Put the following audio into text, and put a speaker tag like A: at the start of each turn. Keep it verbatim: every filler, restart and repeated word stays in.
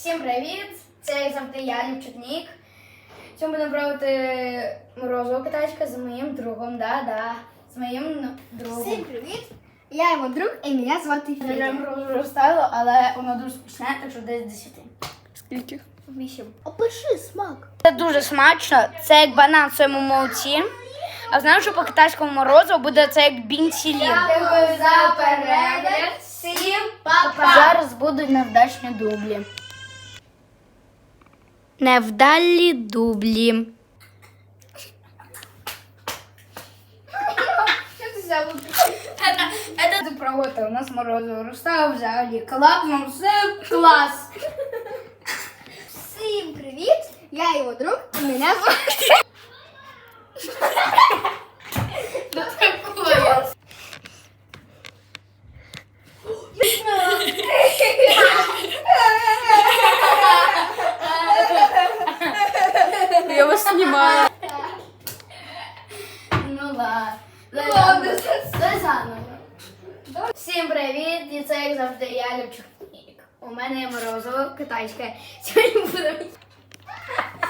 A: Всім привіт! Це як завжди я, Лівчик. Сьогодні будемо пробувати морозиво китайське з моїм другом, да-да, з моїм другом.
B: Всім привіт! Я його друг і мене звати
A: Я вже
B: Федя.
A: морозиво розставила, але воно дуже смачне, так що десь десяти.
C: Скільки?
B: Вісім. Опиши смак.
A: Це дуже смачно, це як банан в своєму молоці. А знаю, що по китайському морозиво буде це як бінцілін.
B: Дякую за перегляд. Всім па-па!
A: Зараз будуть невдачні дублі. Невдалі дублі.
B: Що ти взяв?
A: Это проводка, у нас морозиво розставив взагалі. Класно, все клас.
B: Всім привіт! Я його друг і мене звати.
C: Я вас знімаю.
A: Ну ладно.
B: Ну ладно,
A: Це заново. Всім привіт, і це як завжди я, Лівчик. У мене є морозиво китайське. Сьогодні будемо